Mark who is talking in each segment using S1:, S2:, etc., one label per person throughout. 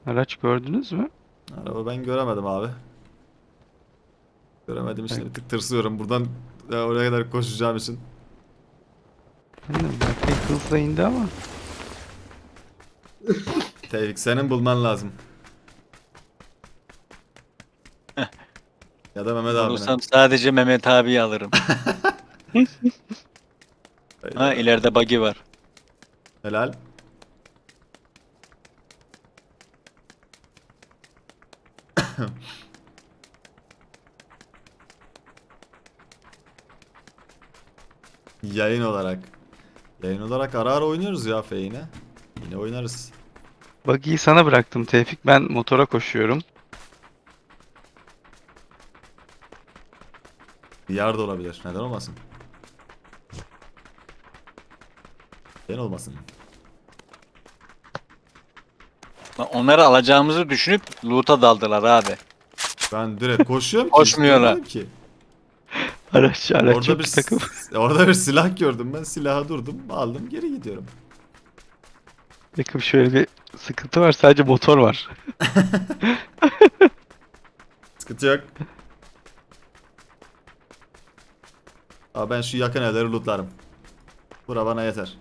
S1: Araç gördünüz mü?
S2: Araba ben göremedim abi. Göremedim
S1: Bak,
S2: işte bir tık tırsıyorum buradan oraya kadar koşacağım için.
S1: aynen Berkay hızla indi ama.
S2: Tevfik senin bulman lazım. Ya da Mehmet abinin.
S3: Bulursam sadece Mehmet abi alırım. Ha
S2: Hayda.
S3: ileride buggy var.
S2: Helal. Yayın olarak. Yayın olarak ara ara oynuyoruz ya Feyne. Yine oynarız.
S1: Buggy'yi sana bıraktım Tevfik. Ben motora koşuyorum.
S2: VR da olabilir. Neden olmasın? Neden olmasın?
S3: Lan onları alacağımızı düşünüp loot'a daldılar abi.
S2: Ben direkt koşuyorum ki.
S3: Koşmuyorlar.
S2: İstemedim ki.
S1: Araç
S2: Orada
S1: yok
S2: bir
S1: ki takım.
S2: orada bir silah gördüm ben. Silaha durdum. Aldım geri gidiyorum.
S1: Takım şöyle bir sıkıntı var. Sadece motor var.
S2: Sıkıntı yok. Abi ben şu yakın evleri lootlarım. Bura bana yeter.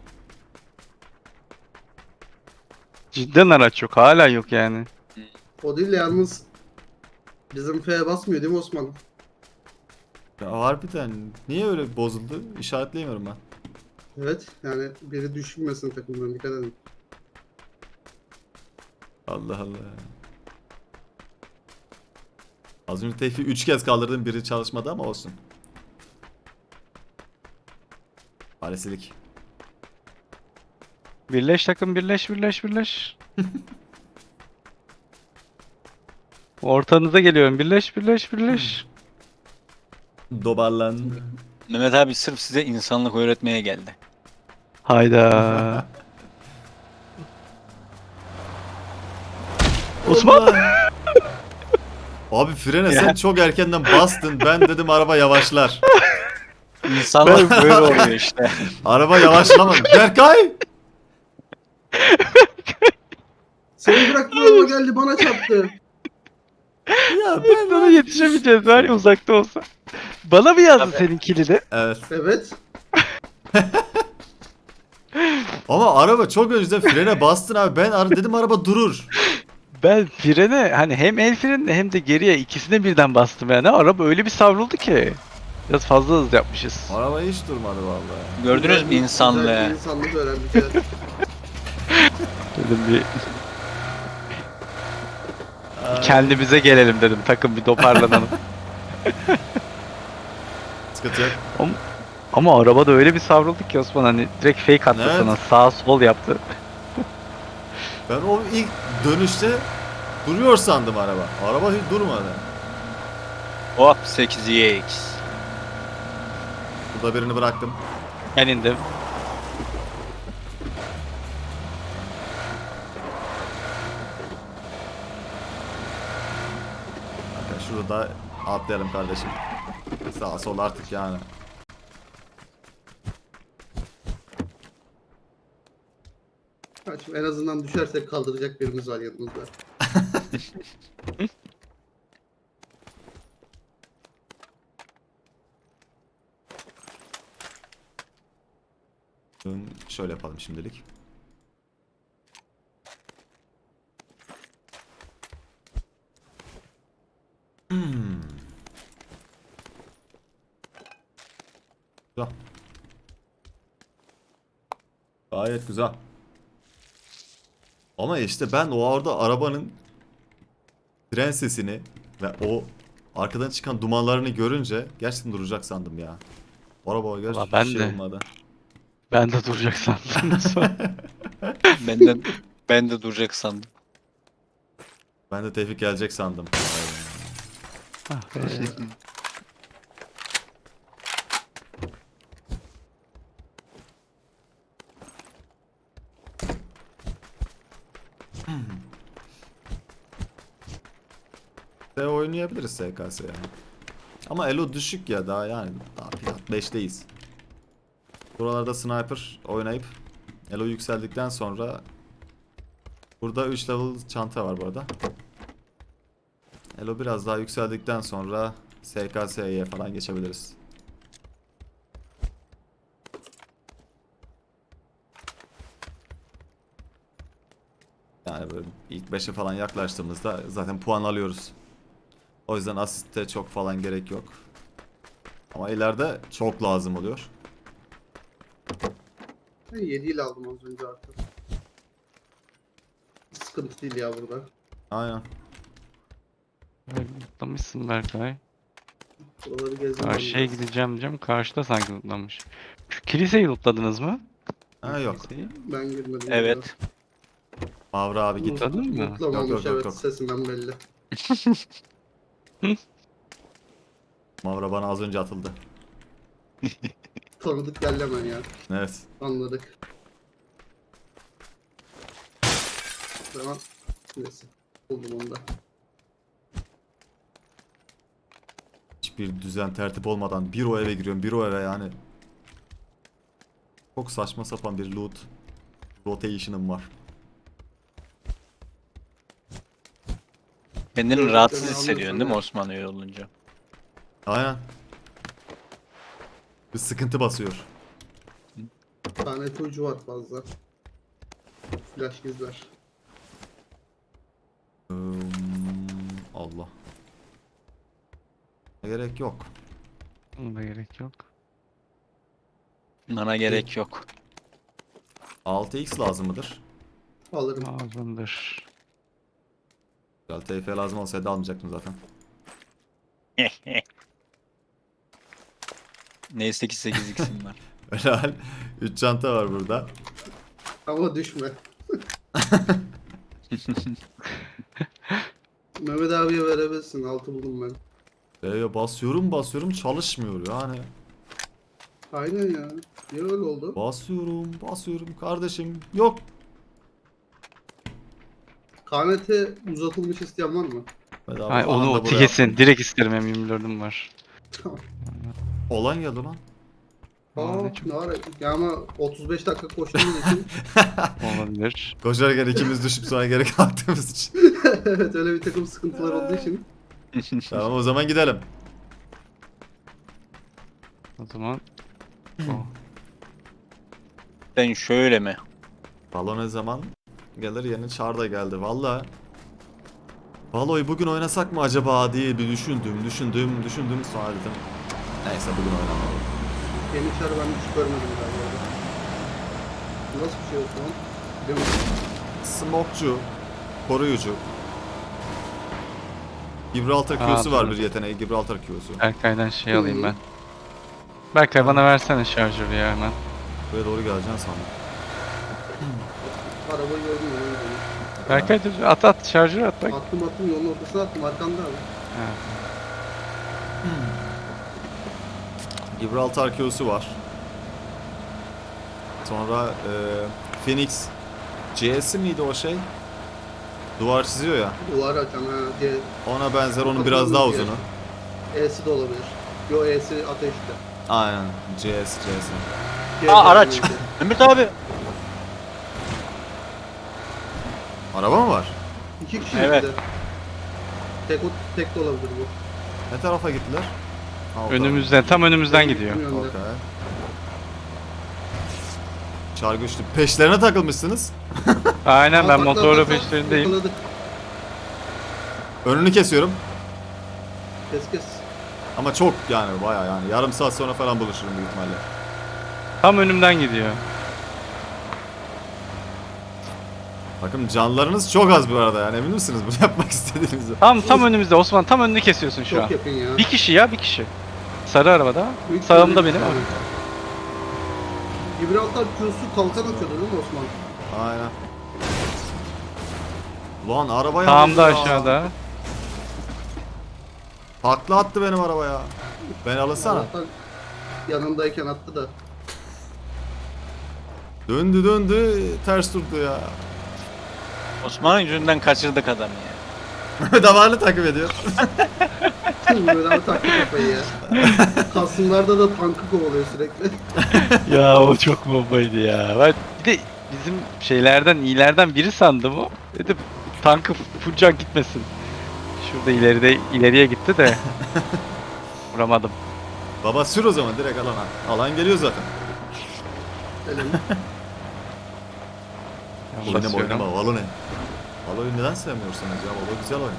S1: Cidden araç yok. Hala yok yani.
S4: O değil de yalnız bizim F'ye basmıyor değil mi Osman?
S2: Ya harbiden niye öyle bozuldu? İşaretleyemiyorum ben.
S4: Evet yani biri düşünmesin takımdan dikkat edin.
S2: Allah Allah. Az önce Tevfik'i 3 kez kaldırdım biri çalışmadı ama olsun. Maalesef.
S1: Birleş takım birleş birleş birleş. Ortanıza geliyorum. Birleş birleş birleş.
S2: Dobarlan.
S3: Mehmet abi sırf size insanlık öğretmeye geldi.
S1: Hayda. Osman!
S2: Allah. Abi frene sen çok erkenden bastın. Ben dedim araba yavaşlar.
S3: İnsanlık böyle oluyor işte.
S2: Araba yavaşlamadı. Berkay!
S4: Seni bıraktı yoluma geldi bana çarptı.
S2: Ya
S1: Biz sana yetişemeyeceğiz var ya uzakta olsa. Bana mı yazdın
S3: Tabii.
S1: senin kilidi?
S2: Evet.
S4: Evet.
S2: Ama araba çok önceden frene bastın abi. Ben dedim araba durur.
S1: Ben frene hani hem el frenine hem de geriye ikisine birden bastım yani. Araba öyle bir savruldu ki. Biraz fazla hız yapmışız.
S2: Araba hiç durmadı vallahi.
S3: Gördünüz mü
S4: Güzel bir
S3: insanlığı?
S4: insanlık öğrendik evet.
S1: Dedim bir kendimize gelelim dedim. Takım bir toparlanalım.
S2: Sıkıntı yok.
S1: ama, ama arabada öyle bir savruldu ki Osman hani direkt fake attı
S2: Evet.
S1: sana. Sağ sol yaptı.
S2: Ben o ilk dönüşte duruyor sandım araba. Araba hiç durmadı.
S3: Hop 8x.
S2: Burada birini bıraktım.
S1: Ben indim.
S2: Bakın şurada atlayalım kardeşim. Sağ sol artık yani.
S4: Ha, şimdi en azından düşersek kaldıracak birimiz var yanımızda.
S2: Şöyle yapalım şimdilik. Güzel. Gayet güzel. Ama işte ben o orada arabanın fren sesini ve o arkadan çıkan dumanlarını görünce gerçekten duracak sandım ya. O araba gerçekten
S1: ben
S2: hiç şey
S1: de.
S2: olmadı.
S1: Ben de duracak sandım Osman.
S3: Benden ben de duracak sandım.
S2: Ben de Tevfik gelecek sandım.
S1: Ah be.
S2: Oynayabiliriz SKS yani. Ama elo düşük ya daha yani. Daha plat 5'teyiz. Buralarda sniper oynayıp elo yükseldikten sonra Burada 3 level çanta var bu arada. Elo biraz daha yükseldikten sonra SKS'ye falan geçebiliriz. Yani böyle ilk 5'e falan yaklaştığımızda zaten puan alıyoruz. O yüzden asiste çok falan gerek yok. Ama ileride çok lazım oluyor.
S4: Ben 7 ile aldım az önce artık. Sıkıntı değil ya burada.
S2: Aynen.
S1: Mutlamışsın Berkay.
S4: Buraları gezdim.
S1: Karşıya gideceğim diyeceğim. Karşıda sanki lootlanmış. Şu kiliseyi lootladınız mı?
S2: Ha yok.
S1: Kiliseyi.
S4: Ben girmedim.
S3: Evet.
S2: Mavra abi git.
S1: Lootladın mı?
S4: Mutlamamış,
S2: Yok, yok,
S4: evet,
S2: yok.
S4: sesinden belli.
S2: Mavra bana az önce atıldı.
S4: Tanıdık geldi hemen ya.
S2: Evet.
S4: Anladık. Tamam. Neyse. Buldum onu da.
S2: Hiçbir düzen tertip olmadan bir o eve giriyorum, bir o eve yani. Çok saçma sapan bir loot rotation'ım var.
S3: Kendini
S4: Evet,
S3: rahatsız
S4: evet,
S3: hissediyorsun
S4: anladım.
S3: değil mi Osman öyle olunca?
S2: Aynen. Bir sıkıntı basıyor.
S4: Bir tane ipucu var fazla. Flash gizler.
S2: Allah. Gerek yok.
S1: Buna da gerek yok.
S3: Bana gerek yok.
S2: 6x lazım mıdır?
S4: Alırım.
S1: Lazımdır.
S2: Güzel, TF lazım olsaydı almayacaktım zaten.
S3: Neyse ki 8x'im var.
S2: Helal. 3 çanta var burada.
S4: Ama düşme. Mehmet abiye verebilirsin. 6 buldum ben.
S2: Basıyorum çalışmıyor yani.
S4: Aynen ya. Niye öyle oldu?
S2: Basıyorum kardeşim. Yok.
S4: KNT uzatılmış isteyen var mı?
S2: Bedava
S1: Ay, onu
S2: anında buraya
S1: kesin.
S2: attım.
S1: Direkt isterim, M24'üm var.
S4: Tamam.
S2: Olan geldi lan.
S4: Aa,
S1: ne çok-
S4: ne ara? Ya ama 35 dakika koştuğumuz için
S1: Olabilir.
S2: Koşarken ikimiz düşüp sonra geri kalktığımız için.
S4: evet, öyle bir takım sıkıntılar olduğu için.
S2: Tamam o zaman gidelim.
S1: O zaman o.
S3: Sen şöyle mi?
S2: Valo ne zaman gelir, yeni çağrı da geldi. Valla Valo'yu bugün oynasak mı acaba diye bir düşündüm. Sonra dedim neyse bugün oynamayalım.
S4: Yeni çarı ben hiç görmedim galiba. Nasıl bir şey o zaman? Biliyor musun?
S2: Smokçu, koruyucu. Gibraltar Q'su var, bir
S1: hatırladım.
S2: yeteneği, Gibraltar Q'su.
S1: Berkay'dan şey
S4: Hı
S1: alayım
S4: hı.
S1: ben. Berkay bana versene şarjörü ya hemen.
S2: Buraya doğru geleceksin sandım.
S4: Arabayı gördüm ya.
S1: Berkay dur, at şarjörü at bak.
S4: Attım yolun ortasına attım arkanda abi.
S1: Ha.
S2: Gibraltar Q'su var. Sonra Phoenix C'si miydi o şey? Duvar çiziyor ya.
S4: Duvar açan ha diye.
S2: Ona benzer, onun biraz daha uzunu.
S4: E'si de olabilir. Yo, E'si ateşte.
S2: Aynen. C'si.
S3: Aa, araç. Mehmet abi.
S2: Araba mı var?
S4: 2 kişi
S3: Evet.
S4: bir de. Tek de olabilir bu.
S2: Ne tarafa gittiler? Ha, o
S1: Önümüzden, tam önümüzden gidiyor.
S2: tarafa. Okey. Çar güçlü. Peşlerine takılmışsınız.
S1: Aynen, ben
S4: Bak,
S1: motorla
S4: bak, bak,
S1: peşlerindeyim.
S4: yakaladık.
S2: Önünü kesiyorum.
S4: Kes.
S2: Ama çok yani bayağı yani. Yarım saat sonra falan buluşurum büyük ihtimalle.
S1: Tam önümden gidiyor.
S2: Bakın canlarınız çok az bu arada yani, emin misiniz bunu yapmak istediğinizi?
S1: Tam önümüzde Osman, tam önünü kesiyorsun şu an.
S4: Çok yakın ya.
S1: Bir kişi ya, bir kişi. Sarı arabada.
S4: Büyük
S1: Sağımda
S4: ihtimalle-
S1: benim abi.
S4: Gibraltar Q'su kalkan atıyordu değil mi Osman?
S2: Aynen. Ulan arabaya
S1: Sağımda
S2: aldı ya.
S1: aşağıda.
S2: Takla attı benim arabaya. Beni alınsana.
S4: Allah'tan yanındayken attı da.
S2: Döndü ters durdu ya.
S3: Osman'ın yüzünden kaçırdık adamı ya.
S2: Damarlı takip ediyor.
S4: Böyle abi taktı kafayı ya. Kasımlarda da tankı kovalıyor sürekli.
S1: Ya o çok bombaydı ya. Bir de bizim şeylerden iyilerden biri sandım o. Dedim tankı full can gitmesin. Şurada ileriye gitti de vuramadım.
S2: Baba sür o zaman direkt alana. Alan geliyor zaten.
S4: Elim.
S1: Ben
S2: Oynama
S1: basıyorum.
S2: oynama Valo ne? Valo'yu neden sevmiyorsunuz ya? Valo güzel oyun.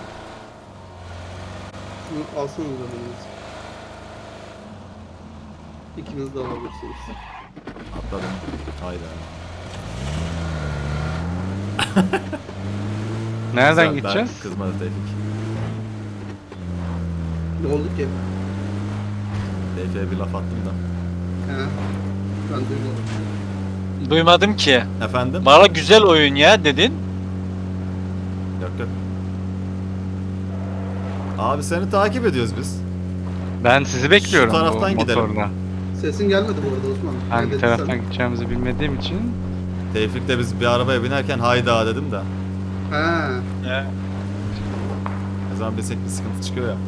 S4: Şunu alsanız önünüz. İkiniz de alabilirsiniz.
S2: Atladım. Hayda.
S1: Nereden
S2: Güzel,
S1: gideceğiz?
S2: Ben kızmadı Tevfik.
S4: Ne oldu ki?
S2: Tevfik'e bir laf attım da.
S4: He. Ben duymadım.
S3: Duymadım ki.
S2: Efendim?
S3: Valla güzel oyun ya dedin.
S2: Yok yok. Abi seni takip ediyoruz biz.
S1: Ben sizi bekliyorum
S2: Şu taraftan
S1: bu
S2: gidelim.
S1: motorla.
S4: Sesin gelmedi bu arada Osman. Ne
S1: Hangi
S4: dedin
S1: taraftan
S4: sen?
S1: gideceğimizi bilmediğim için
S2: Tevfik'le biz bir arabaya binerken hayda dedim de.
S4: He.
S2: Ne zaman bilsek bir sıkıntı çıkıyor ya.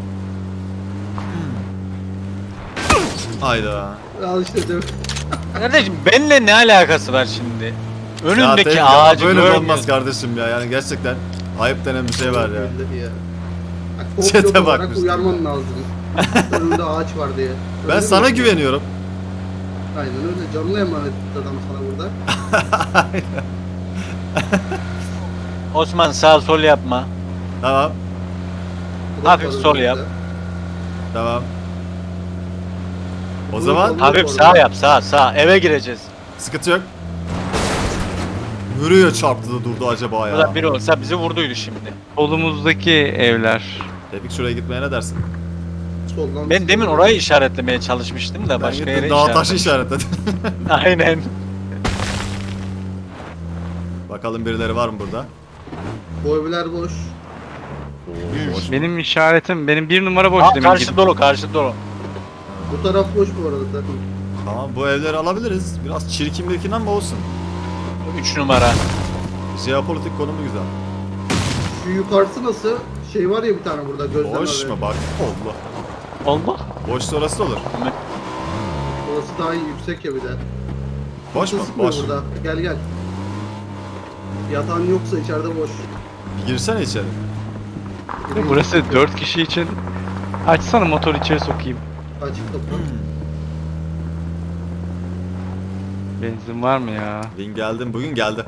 S2: Hayda.
S4: Al işte değil mi?
S3: Kardeşim benimle ne alakası var şimdi?
S2: Ya
S3: Önündeki
S2: Tevfik,
S3: ağacı
S2: böyle
S3: görmüyorsun.
S2: olmaz kardeşim ya. Yani gerçekten ayıp denen bir şey var ya.
S4: Billahi ya.
S2: Çete
S4: Çete olarak
S2: bakmış.
S4: uyarman lazım. Önünde ağaç var diye.
S2: Ben
S4: Öyle
S2: sana
S4: mi?
S2: güveniyorum.
S4: Aynen öyle. Canlı emanet adam sana burada.
S3: Osman sağ sol yapma.
S2: Tamam.
S4: Bu da
S3: Hafif
S4: para
S3: sol
S4: önünde.
S3: yap.
S2: Tamam. O
S4: Bu
S2: zaman
S4: da-
S3: Hafif sağ yap sağ. Eve gireceğiz.
S2: sıkıntı yok. Nereye çarptı da durdu acaba
S3: Bu
S2: ya?
S3: da biri olsa bizi vurduydu şimdi.
S1: solumuzdaki evler.
S2: Tevfik şuraya gitmeye ne dersin?
S4: Soldan
S3: Ben demin orayı işaretlemeye çalışmıştım da
S2: Ben
S3: başka
S2: gittim
S3: yere
S2: dağ taşı
S3: işaretledim.
S2: işaretledim.
S3: Aynen.
S2: Bakalım birileri var mı burada?
S4: Bu evler boş.
S2: Boş.
S1: Benim işaretim benim bir numara boş
S3: Aa,
S1: demin
S3: karşı
S1: gibi.
S3: dolu karşı dolu.
S4: Bu taraf boş bu arada takım.
S2: Tamam bu evleri alabiliriz. Biraz çirkin bir ama olsun.
S3: 3 numara.
S2: Jeopolitik konumu güzel.
S4: Şu yukarısı nasıl? Şey var ya bir tane burada gözlem
S2: Boş
S4: abi.
S2: mu bak? Allah.
S1: Allah.
S2: Boş orası da olur.
S4: Orası daha iyi yüksek ya bir de.
S2: Boş mu?
S4: Kimse sıkmıyor
S2: Boş.
S4: burada. Gel gel. Yatağın yoksa içeride boş.
S2: Bir girsene içeri.
S1: Burası 4 kişi için. Açsana motor içeri sokayım.
S4: Açık kapı.
S1: Benzin var mı ya?
S2: Bin geldim. Bugün geldi.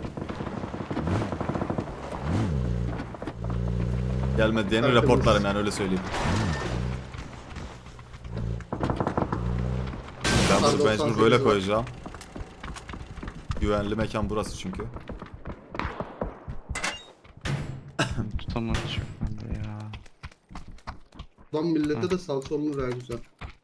S2: Gelmedi diyeni
S4: Arkamız.
S2: raportlarım yani öyle söyleyeyim. Ben bunu
S4: Pardon,
S2: mecbur
S4: 98
S2: böyle
S4: var.
S2: koyacağım. Güvenli mekan burası çünkü.
S1: Tutamadım şu anda ya.
S4: Lan millete de salça olunur ya güzel.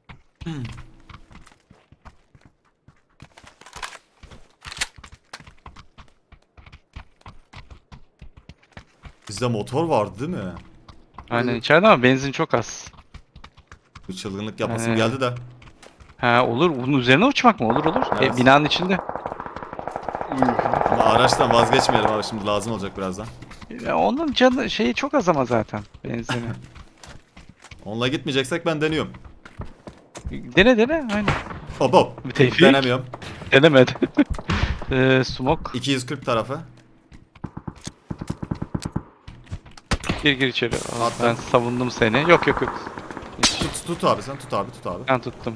S2: Bizde motor vardı değil mi?
S1: Aynen içeride ama benzin çok az.
S2: Bu çılgınlık yapasım
S1: Ee.
S2: geldi de.
S1: Ha olur. Bunun üzerine uçmak mı? Olur olur.
S2: Evet.
S1: Binanın içinde.
S2: Ama araçtan vazgeçmeyelim abi şimdi lazım olacak birazdan.
S1: Onun canı şeyi çok az ama zaten benzini.
S2: Onunla gitmeyeceksek ben deniyorum.
S1: Dene aynen.
S2: Hop hop.
S1: Bir Tevfik.
S2: Denemiyorum.
S1: Denemedi. Smoke.
S2: 240 tarafı.
S1: Gir içeri. Aa,
S2: Attım.
S1: ben savundum seni. Yok. Hiç.
S2: Tut abi sen tut abi tut abi.
S1: Ben tuttum.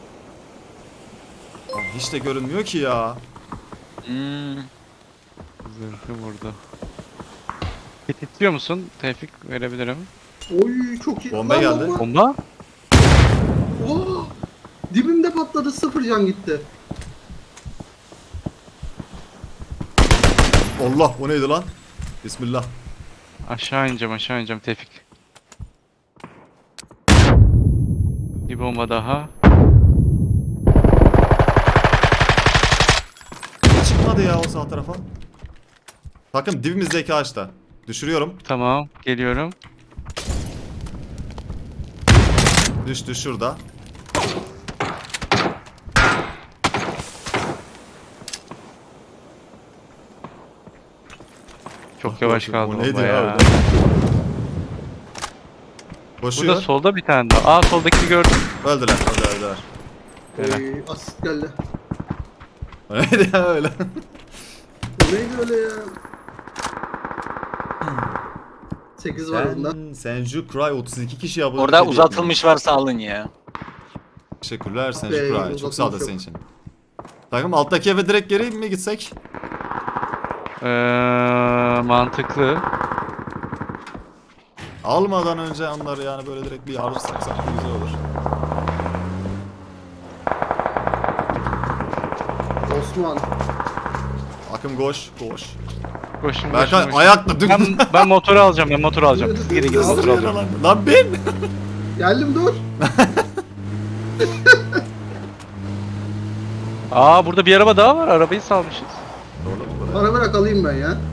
S2: Lan hiç de görünmüyor ki ya.
S3: Hmm.
S1: Zırhı vurdu. Hit istiyor musun? Tevfik verebilirim.
S4: Oy çok iyi.
S2: Bomba
S4: Lan
S2: geldi.
S1: Bomba?
S4: Oo! Dibimde patladı, sıfır can gitti.
S2: Allah o neydi lan? Bismillah.
S1: Aşağı ineceğim Tevfik. Bir bomba daha.
S2: Çıkmadı ya o sağ tarafa. Takım dibimizdeki ağaçta. Düşürüyorum.
S1: Tamam, geliyorum.
S2: Düştü şurada.
S1: Çok yavaş
S2: O
S1: kaldı
S2: neydi
S1: bomba
S2: ya
S1: ya.
S2: öyle? Koşuyor.
S1: Burada solda bir tane daha. Aa soldakini gördüm.
S2: Öldüler.
S1: Helal.
S4: Oy asist geldi.
S2: O neydi ya öyle?
S4: Bu neydi öyle ya? 8 var bunda.
S2: Senju Cry 32 kişi abone.
S3: Orada uzatılmış varsa alın ya.
S2: Teşekkürler Senju
S4: Be,
S2: Cry. Çok sağ ol da
S4: uzatılmış
S2: senin için. Takım alttaki eve direkt geri mi gitsek?
S1: Mantıklı.
S2: Almadan önce onları yani böyle direkt bir alırsak sanki güzel olur.
S4: Osman.
S2: Akım koş koş.
S1: Koşun
S2: Berkay
S1: koşun.
S2: ayakla dük.
S1: Ben motoru alacağım, ben motoru alacağım. Siz gidin gidin motoru alacağım.
S2: Lan ben.
S4: Geldim dur.
S1: Aa burada bir araba daha var, arabayı salmışız.
S4: Bana bırak alayım ben ya.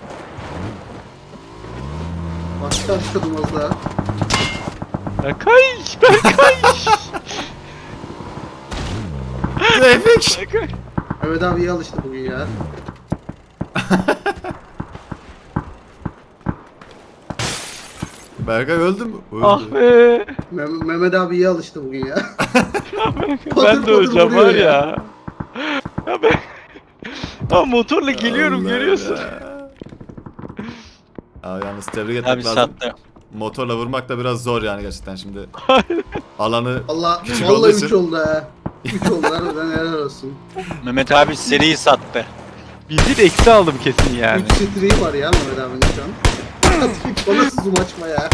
S4: Başka çıkalım az daha.
S1: Berkay! Berkay!
S2: Tevfik.
S1: Berkay!
S4: Mehmet abi iyi alıştı bugün ya.
S2: Berkay öldü mü? Öldü.
S1: Ah be!
S4: Mehmet abi iyi alıştı bugün ya.
S1: Ben
S4: Patır
S1: de öleceğim
S4: vuruyor
S1: var
S4: ya.
S1: ya. Ya ben... Ya motorla geliyorum
S2: Allah
S1: görüyorsun.
S2: ya. Abi yalnız tebrik
S3: Abi
S2: etmek lazım.
S3: sattı.
S2: Motorla vurmak da biraz zor yani gerçekten şimdi. Alanı
S4: Allah
S2: Küçük
S4: vallahi
S2: olduğu
S4: 3
S2: için.
S4: oldu ha. 3 oldu harbiden helal olsun.
S3: Mehmet abi seriyi sattı.
S1: Bizi de eksi aldım kesin yani.
S4: 3 streği var ya Mehmet abinin şu an. Bana zoom açma ya.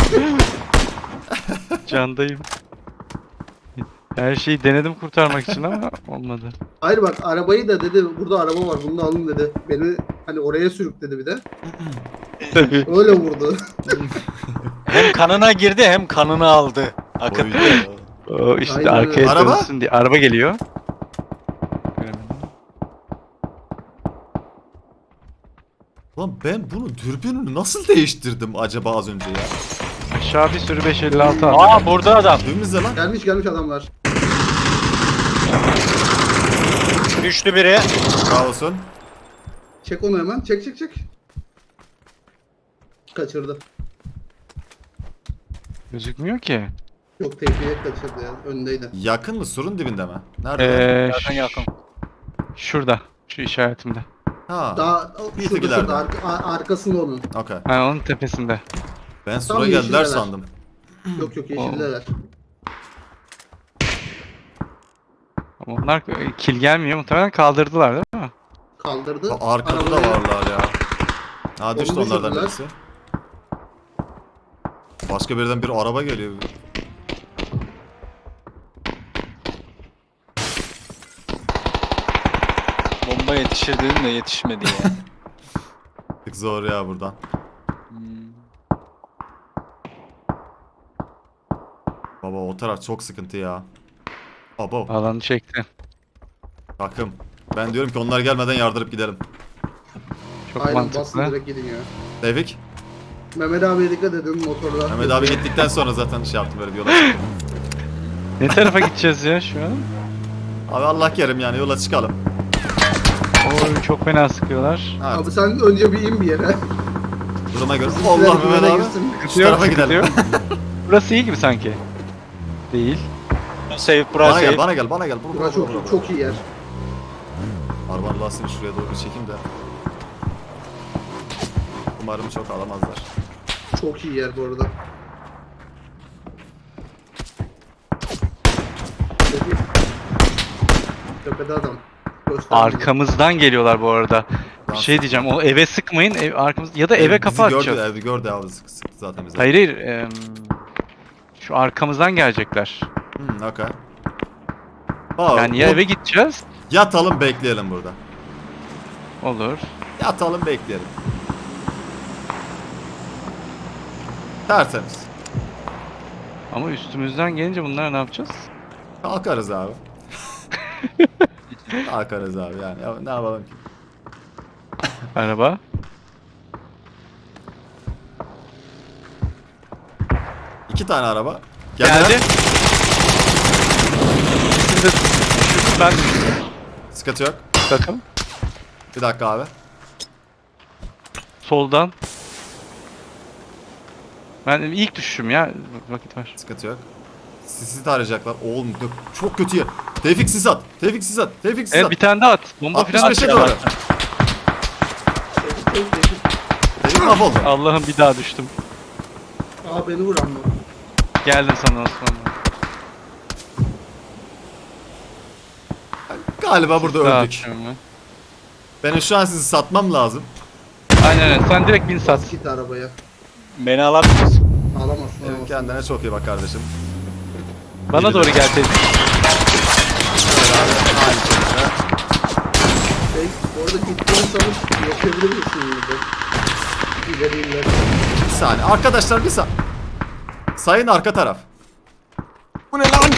S1: Candayım. Her şeyi denedim kurtarmak için ama olmadı.
S4: Hayır bak arabayı da dedi burada araba var bunu da alın dedi. Beni hani oraya sürükledi bir de.
S1: Tabii.
S4: Öyle vurdu.
S3: Hem kanına girdi hem kanını aldı. Akıttı.
S2: Oydu.
S1: O işte
S4: Aynen öyle.
S1: arkaya
S2: Araba?
S1: dönsün diye. Araba geliyor. Göremedim.
S2: Lan ben bunu dürbününü nasıl değiştirdim acaba az önce ya?
S1: Aşağı bir sürü 556 aldım.
S3: Aa burada adam.
S2: Düğümüzde lan.
S4: Gelmiş adamlar.
S3: Düştü biri.
S2: Sağ olsun.
S4: Çek onu hemen. Çek. Kaçırdı.
S1: Gözükmüyor ki.
S4: Yok tehlikeye kaçırdı ya. Önündeydi.
S2: Yakın mı? Surun dibinde mi? Nerede?
S3: Yakın yakın.
S1: Şurada. Şu işaretimde.
S2: Ha.
S4: Daha
S2: Bir
S4: şurada,
S2: tık ileride.
S4: şurada arkasında onun.
S2: Okey.
S1: Ha onun tepesinde.
S2: Ben sura
S4: Tam
S2: geldiler
S4: yeşilleler.
S2: sandım.
S4: Yok yeşildeler.
S1: Ama onlar kill gelmiyor. Muhtemelen kaldırdılar değil mi?
S4: Kaldırdı.
S2: Arkada da
S4: Arabaya-
S2: varlar ya. Ha düştü
S4: Onu
S2: onlardan
S4: düşürdüler.
S2: birisi. Başka birden bir araba geliyor.
S3: Bomba yetişir dedim de yetişmedi ya.
S2: Tık zor ya buradan.
S3: Hmm.
S2: Baba o taraf çok sıkıntı ya. Baba
S1: Alanı çekti.
S2: takım. Ben diyorum ki onlar gelmeden yardırıp gidelim.
S1: Çok
S4: Aynen basın
S1: mantıklı.
S4: direkt gidin ya.
S2: Tevfik.
S4: Mehmet abiye dikkat edin motorla.
S2: Mehmet abi gittikten sonra zaten şey yaptım böyle bir yola çıktım.
S1: Ne tarafa gideceğiz ya şu an?
S2: Abi Allah kerim yani yola çıkalım.
S1: Oy çok fena sıkıyorlar.
S2: Evet.
S4: Abi sen önce bir in bir yere.
S2: Duruma göre.
S4: Bizimkiler
S2: Allah Mehmet
S4: güvene
S2: abi.
S4: girsin.
S2: Şu tarafa gidelim.
S1: Burası iyi gibi sanki. Değil.
S3: Save
S2: Bana
S3: burası.
S2: gel, bana gel, bana gel. Bur,
S4: Burası çok iyi yer.
S2: Arabanın lastiğini şuraya doğru bir çekeyim de. Umarım çok alamazlar.
S4: Çok iyi yer bu arada. Çok iyi. Tepede adam. Göstermiyor.
S1: Arkamızdan geliyorlar bu arada. Bir şey diyeceğim. O eve sıkmayın. Ev arkamız ya da eve kapı
S2: bizi
S1: açacağız.
S2: gördü, evi gördü abi sıktı zaten bize.
S1: Hayır hayır. Şu arkamızdan gelecekler.
S2: Okey. Aa,
S1: Yani ya eve gideceğiz.
S2: yatalım bekleyelim burada.
S1: Olur.
S2: Yatalım bekleyelim. Tertemiz.
S1: Ama üstümüzden gelince bunlar ne yapacağız?
S2: Kalkarız abi. Kalkarız abi yani. Ya, ne yapalım ki?
S1: Araba.
S2: İki tane araba.
S1: Geldi. Şimdi ben
S2: Sıkıntı yok.
S1: bakın.
S2: Bir dakika abi.
S1: Soldan. Ben ilk düşüşüm ya. Vakit var.
S2: Sıkıntı yok. Sisi tarayacaklar. Oğlum çok kötü yer. Tevfik sis at. Tevfik sis at. Tevfik sis
S1: Evet
S2: at.
S1: bir tane daha at. Bomba falan
S2: 65'e
S1: atacağım.
S2: doğru. Dedik mahvoldu.
S1: Allah'ım bir daha düştüm.
S4: Aa beni vuran mı?
S1: Geldim sana Osman.
S2: Galiba burada
S1: Daha
S2: öldük.
S1: atıyorum ben.
S2: Benim şu an sizi satmam lazım.
S1: Aynen öyle. Sen direkt bin sat.
S4: Git arabaya.
S3: Beni alır mısın?
S4: Alamazsın.
S2: Kendine çok iyi bak kardeşim.
S1: Bana doğru gel teyze.
S2: Aynı şekilde.
S4: Orada gittiğin sanıp yaşayabilir misin burada? İleri.
S2: Bir saniye. Arkadaşlar bir saniye. Sayın arka taraf. Bu ne lan?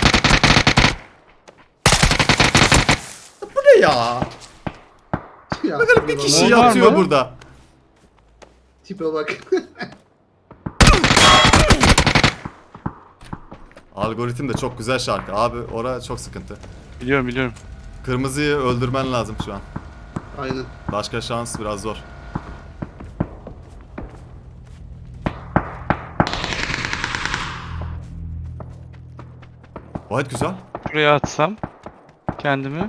S2: Bu ne ya?
S4: Ya,
S2: Bakın bir kişi
S1: Var
S2: yatıyor
S1: mı?
S2: burada.
S4: Tipe bak.
S2: Algoritm de çok güzel şarkı. Abi ora çok sıkıntı.
S1: Biliyorum biliyorum.
S2: Kırmızıyı öldürmen lazım şu an.
S4: Aynen.
S2: Başka şans biraz zor. Gayet güzel.
S1: Şuraya atsam kendimi.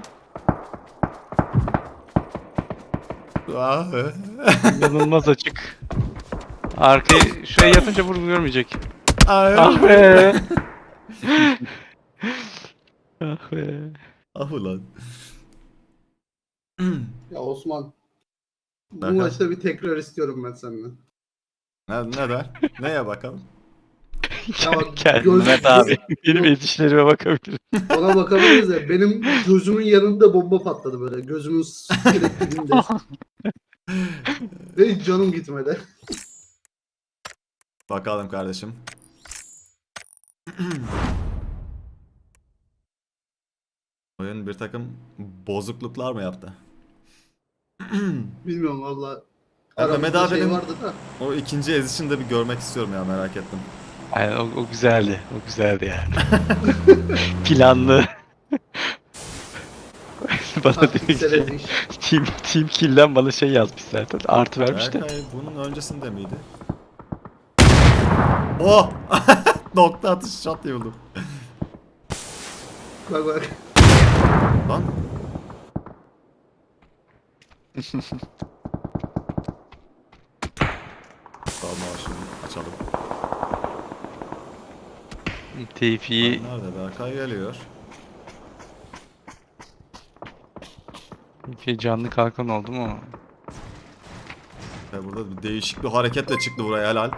S2: Ah,
S1: İnanılmaz açık. Arkayı şuraya yatınca görmeyecek.
S2: ah,
S1: Ah be. Ah be.
S2: ah ulan.
S4: Ya Osman. Bu
S2: Bakalım.
S4: maçta bir tekrar istiyorum ben senden.
S2: Neden? Neye bakalım?
S4: Ya bak,
S1: Gel
S3: Mehmet abi.
S1: Benim edişlerime bakabilirim.
S4: Ona bakabiliriz de benim gözümün yanında bomba patladı böyle. Gözümün direkt dibinde. Ve hiç canım gitmedi.
S2: Bakalım kardeşim. Oyun bir takım bozukluklar mı yaptı?
S4: Bilmiyorum valla.
S2: Ya
S4: Aramızda
S2: Mehmet abi
S4: şey
S2: benim-
S4: vardı da.
S2: O ikinci ezişini de bir görmek istiyorum ya, merak ettim.
S1: Aynen o güzeldi. O güzeldi yani. Planlı. Bana dedi
S4: Taktiksel
S1: ki
S4: eziş.
S1: team kill'den bana şey yazmış zaten. Artı vermiş de.
S2: Berkay bunun öncesinde miydi? Oh! Nokta atış shot yıldım.
S4: Bak bak.
S2: Lan. Tamam şunu açalım.
S1: Tevfik'i
S2: Nerede? Berkay geliyor.
S1: canlı kalkan oldu mu?
S2: Ya burada bir değişik bir hareketle çıktı buraya, helal.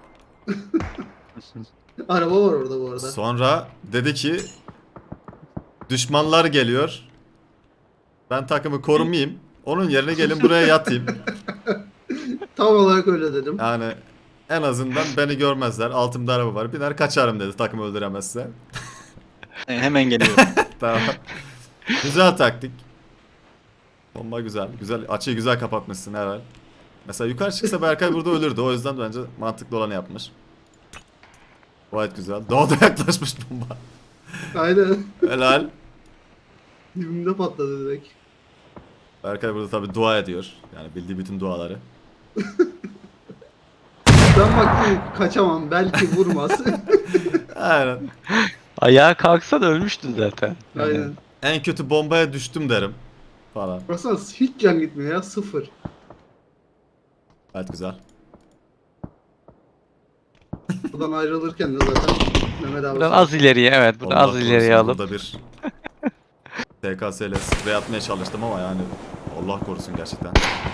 S4: Araba var orada bu arada.
S2: Sonra dedi ki düşmanlar geliyor. Ben takımı korumayayım. Onun yerine gelin buraya yatayım.
S4: Tam olarak öyle dedim.
S2: Yani en azından beni görmezler. Altımda araba var. Biner kaçarım dedi takımı öldüremezse.
S3: Hemen geliyorum.
S2: Tamam. Güzel taktik. Bomba güzel. Güzel. Açıyı güzel kapatmışsın herhal. Mesela yukarı çıksa Berkay burada ölürdü. O yüzden bence mantıklı olanı yapmış. Gayet güzel. Daha da yaklaşmış bomba.
S4: Aynen.
S2: Helal.
S4: Dibimde patladı direkt.
S2: Berkay burada tabi dua ediyor. Yani bildiği bütün duaları.
S4: Ben baktım kaçamam. Belki vurmaz.
S2: Aynen.
S1: Ayağa kalksa da ölmüştün zaten.
S4: Aynen.
S2: En kötü bombaya düştüm derim. Falan.
S4: Baksana hiç can gitmiyor ya. Sıfır.
S2: Gayet güzel.
S4: Buradan ayrılırken de zaten Mehmet abi.
S1: Buradan az ileriye evet. Buradan
S2: Allah
S1: az ileriye
S2: korusun,
S1: alıp.
S2: Burada bir TKS ile sprey atmaya çalıştım ama yani Allah korusun gerçekten.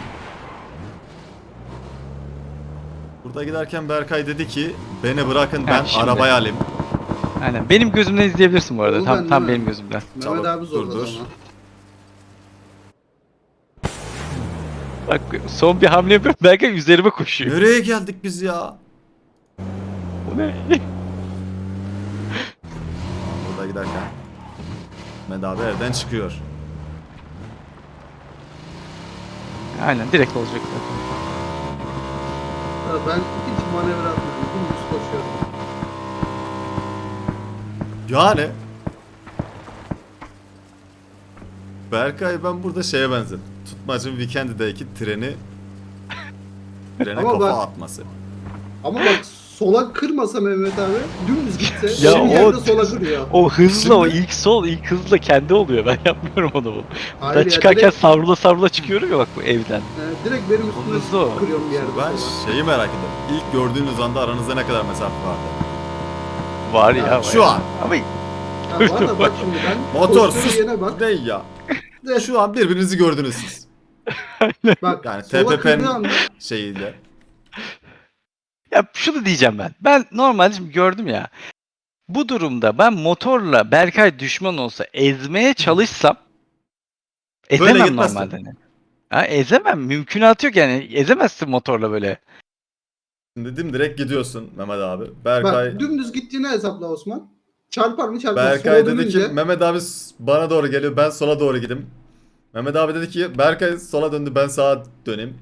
S2: Burada giderken Berkay dedi ki beni bırakın ben
S1: şimdi.
S2: arabayı alayım.
S1: Aynen. Benim gözümden izleyebilirsin bu arada.
S4: Oğlum
S1: Tam
S4: ben
S1: tam
S4: değil mi?
S1: benim gözümden.
S4: Mehmet
S2: Çabuk,
S4: abi zorladı
S2: dur.
S4: ama.
S1: Bak son bir hamle yapıyorum. Belki üzerime koşuyor.
S2: Nereye geldik biz ya?
S1: Bu ne?
S2: Burada giderken Mehmet abi evden çıkıyor.
S1: Aynen direkt olacak zaten.
S4: Ha, ben hiç manevra atmıyorum. Dümdüz koşuyorum.
S2: Yani Berkay ben burada şeye benzedim. Tutmacın Weekend'deki trene
S4: Ama
S2: kafa
S4: ben-
S2: atması.
S4: Ama bak sola kırmasa Mehmet abi dümdüz gitse
S1: Ya
S4: benim
S1: o-
S4: yerde sola kırıyor.
S1: O hızla o
S2: Şimdi-
S1: ilk hızla kendi oluyor. Ben yapmıyorum onu.
S4: Hayır
S1: Ben
S4: ya,
S1: çıkarken
S4: direkt,
S1: savrula çıkıyorum ya bak bu evden.
S4: direkt benim
S1: Hızlı
S4: üstüme
S1: o.
S4: kırıyorum bir yerde
S2: Ben
S4: sola.
S2: şeyi merak ediyorum. İlk gördüğünüz anda aranızda ne kadar mesafe vardı?
S1: Var
S4: Ya,
S1: ya. var
S2: şu
S1: ya.
S2: an.
S1: Ama
S4: Ha, var da bak şimdi ben
S2: Motor
S4: koştuğum
S2: sus.
S4: yere bak.
S2: Ne ya? Şu an birbirinizi gördünüz siz.
S4: Bak
S2: Yani
S4: sola
S2: TPP'nin
S4: kırdığı anda
S2: şeyiyle.
S1: ya şunu diyeceğim ben. Ben normalde şimdi gördüm ya. Bu durumda ben motorla Berkay düşman olsa ezmeye çalışsam ezemem
S2: gitmezsin.
S1: normalde. Hani. Ha, ezemem. Mümkünatı yok yani. Ezemezsin motorla böyle.
S2: Şimdi direkt gidiyorsun Mehmet abi. Berkay
S4: bak dümdüz gittiğini hesapla Osman. Çarpar mı çarpmaz.
S2: Berkay
S4: Sola
S2: dedi ki
S4: dönünce-
S2: Mehmet abi bana doğru geliyor, ben sola doğru gideyim. Mehmet abi dedi ki Berkay sola döndü, ben sağa döneyim.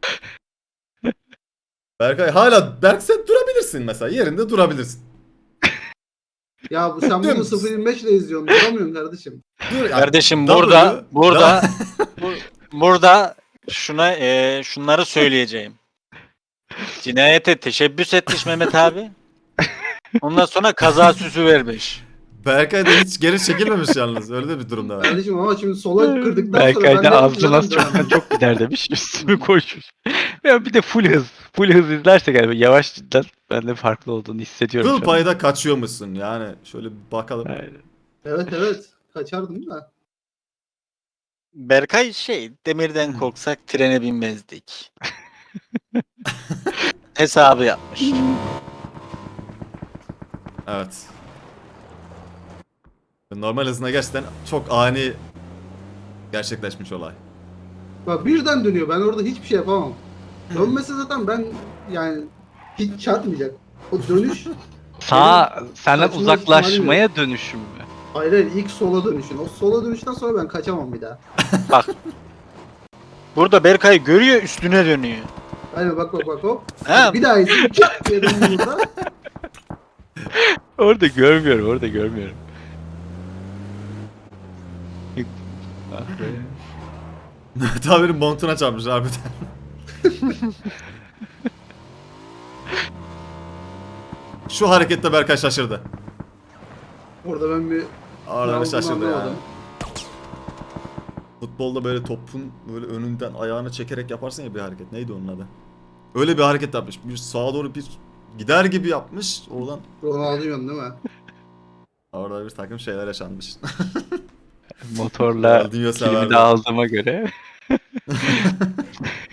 S2: Berk sen durabilirsin mesela, yerinde durabilirsin.
S4: Ya sen bunu
S2: Dümdüz.
S4: 0.25 ile izliyorsun. Duramıyorsun kardeşim.
S2: Dur, yani
S3: Kardeşim
S2: W,
S3: burada şunları söyleyeceğim. Cinayete teşebbüs etmiş Mehmet abi. Ondan sonra kaza süsü vermiş.
S2: Berkay da hiç geri çekilmemiş yalnız, öyle de bir durumda var.
S4: Kardeşim ama şimdi sola kırdıktan sonra
S1: Berkay
S4: ben
S1: da
S4: de
S1: ağzına az
S4: dönemem.
S1: çoktan çok gider demiş. Üstüme koşmuş. Ya bir de full hız. Full hız izlersek yani yavaş cidden ben de farklı olduğunu hissediyorum.
S2: Kıl
S1: şu an.
S2: payda kaçıyormuşsun yani, şöyle bir bakalım.
S1: Aynen.
S4: Evet. Kaçardım da.
S3: Berkay demirden korksak trene binmezdik. Hesabı yapmış.
S2: Evet. Normal hızına gerçekten çok ani gerçekleşmiş olay.
S4: Bak birden dönüyor. Ben orada hiçbir şey yapamam. Dönmese zaten ben yani hiç çarpmayacak. O dönüş
S1: Sağ senden
S4: kaçma
S1: uzaklaşmaya dönüşüm mü?
S4: hayır ilk sola dönüşün. O sola dönüşten sonra ben kaçamam bir daha.
S3: Burada Berkay görüyor üstüne dönüyor.
S4: Aynen bak hop.
S3: Ha,
S4: Bir daha izin çat diye döndüm burada.
S1: Orada görmüyorum. Ah be.
S2: Mehmet abinin montuna çarpmış harbiden. Şu harekette Berkay şaşırdı.
S4: Orada ben bir
S2: Orada
S4: Ne
S2: bir şaşırdı
S4: olduğunu
S2: yani.
S4: anlamadım.
S2: Futbolda böyle topun böyle önünden ayağını çekerek yaparsın ya bir hareket. Neydi onun adı? Öyle bir hareket yapmış. Bir sağa doğru bir gider gibi yapmış. Oradan
S4: Ronaldinho'nun değil mi?
S2: orada bir takım şeyler yaşanmış.
S1: Motorla
S2: Ronaldinho
S1: kilimi
S2: severdi.
S1: de aldığıma göre.